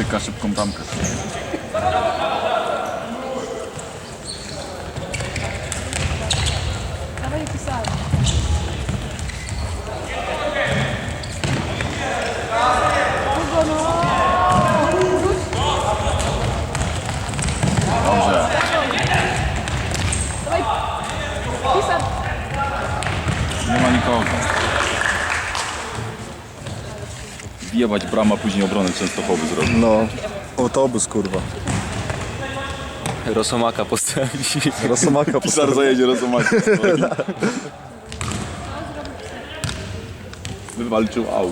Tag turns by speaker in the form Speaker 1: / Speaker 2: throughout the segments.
Speaker 1: Łyka szybką bramkę.
Speaker 2: Dawaj je pisałem.
Speaker 1: Dobrze.
Speaker 2: Dawaj. Pisać.
Speaker 1: Nie ma nikogo. Wjebać brama, później obronę Częstochowy zrobić.
Speaker 3: No, autobus kurwa.
Speaker 4: Rosomaka postawi.
Speaker 3: Rosomaka
Speaker 1: Pisar zajedzie Rosomaka. Wywalczył aut.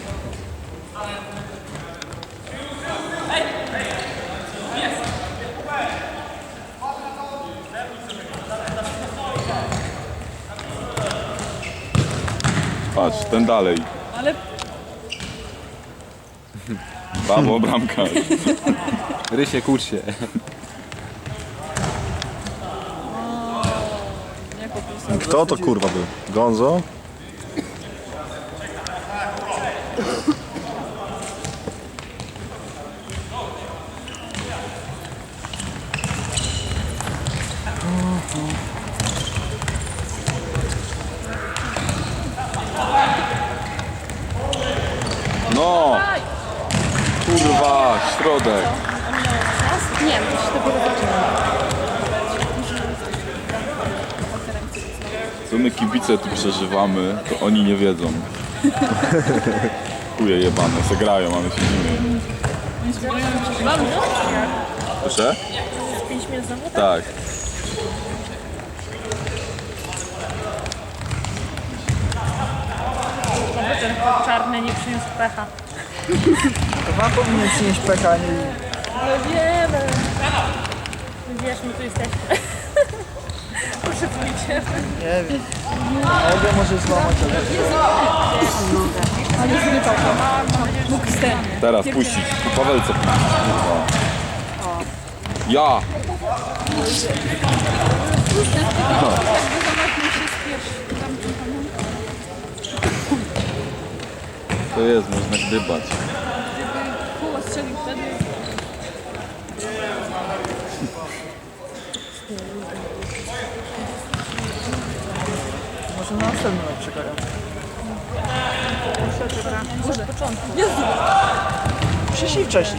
Speaker 1: Patrz, ten dalej.
Speaker 2: Ale
Speaker 1: Brawo, bramka.
Speaker 4: Rysie, kurcz się.
Speaker 2: nie popisał.
Speaker 3: Kto to kurwa był? Gonzo?
Speaker 1: No! Kurwa, środek.
Speaker 2: Nie wiem, to się dopiero zaczyna.
Speaker 1: Co my kibice tu przeżywamy, to oni nie wiedzą. Chuje jebane, se grają, a my siedzimy.
Speaker 2: Mam, no?
Speaker 1: Proszę?
Speaker 2: 5 minut znowu?
Speaker 1: Tak.
Speaker 2: Oby ten czarny nie przyniósł pecha.
Speaker 5: To wam powinien przynieść pecha, nie...
Speaker 2: No wiemy. Wiesz, my tu jesteśmy. Proszę pójdzie.
Speaker 5: Nie wiem. Mogę może złamać, ale...
Speaker 2: Ale zrypał to. Mógł wstępnie.
Speaker 1: Teraz puścić. Po Pawelce puścić. Kurwa. Ja! To jest, można gdybać.
Speaker 2: Koło strzelił wtedy.
Speaker 5: Może na następny mecz czekają.
Speaker 2: Może od początku.
Speaker 5: Przyszli wcześniej.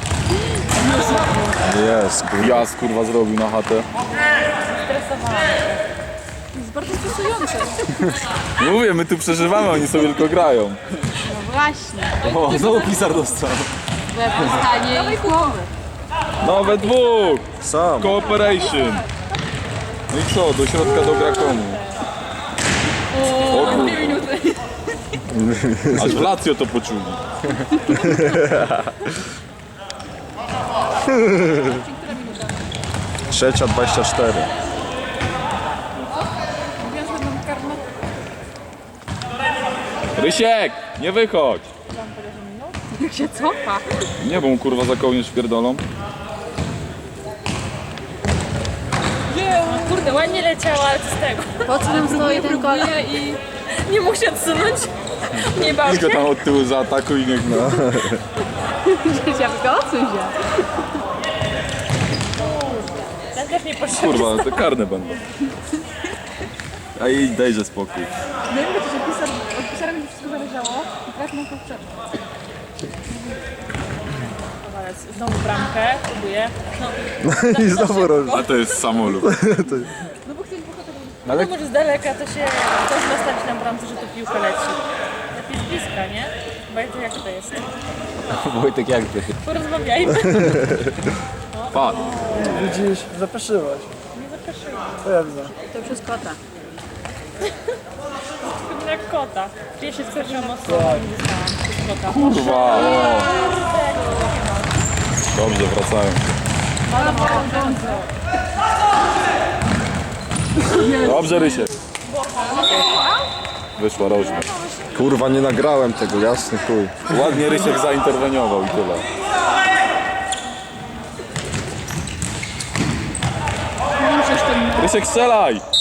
Speaker 3: Jest kurwa.
Speaker 1: Jas kurwa zrobił na chatę.
Speaker 2: Stresowałam. Jest bardzo stresujące.
Speaker 1: Mówię, my tu przeżywamy, oni sobie tylko grają.
Speaker 2: No właśnie.
Speaker 4: O, znowu pisar dostał.
Speaker 2: Wypustanie i głowy.
Speaker 1: No we dwóch!
Speaker 3: Sam.
Speaker 1: Cooperation! No i co, do środka dogra komu? O kurwa.
Speaker 2: 2 minuty.
Speaker 1: Aż w Lazio to poczuli.
Speaker 3: Trzecia 24.
Speaker 2: Mówiłam, że mam karmę.
Speaker 1: Rysiek, nie wychodź!
Speaker 2: Jak się cofa.
Speaker 1: Nie, bo mu kurwa za kołnierz pierdolą.
Speaker 2: Kurde, ładnie leciała, ale co z tego? Po co nam stoi ten konia i nie mógł się odsunąć? Nie bał
Speaker 1: Tylko
Speaker 2: się.
Speaker 1: tam od tyłu zaatakuj i niech no.
Speaker 2: Ja tylko odsuń się. Ten też nie poszedł.
Speaker 1: Kurwa, to karne będą. A jej dejże spokój.
Speaker 2: No i mówię, że od pisara mi wszystko zależało i teraz mam to przerwać. Znowu bramkę, próbuję. No,
Speaker 3: I znowu roż.
Speaker 1: A to jest samolub.
Speaker 2: no bo chcieli pochodzić. No może z daleka to się coś nastawić na bramce, że to piłka leci. Lepiej z bliska, nie? Bo jak to jest?
Speaker 4: Wojtek, jak ty?
Speaker 2: Porozmawiajmy.
Speaker 1: Padł.
Speaker 5: Widzisz, zapeszyłaś.
Speaker 2: Nie zapraszyłam.
Speaker 5: To ja widzę.
Speaker 2: To przez kota. Jak kota. Ja się wstrzymam mocno i dostałam przez kota.
Speaker 1: Kurwa, o. Dobrze, wracają. Dobrze, Rysiek. Wyszła rożna.
Speaker 3: Kurwa nie nagrałem tego, jasny chuj.
Speaker 1: Ładnie Rysiek zainterweniował i tyle. Rysiek, strzelaj!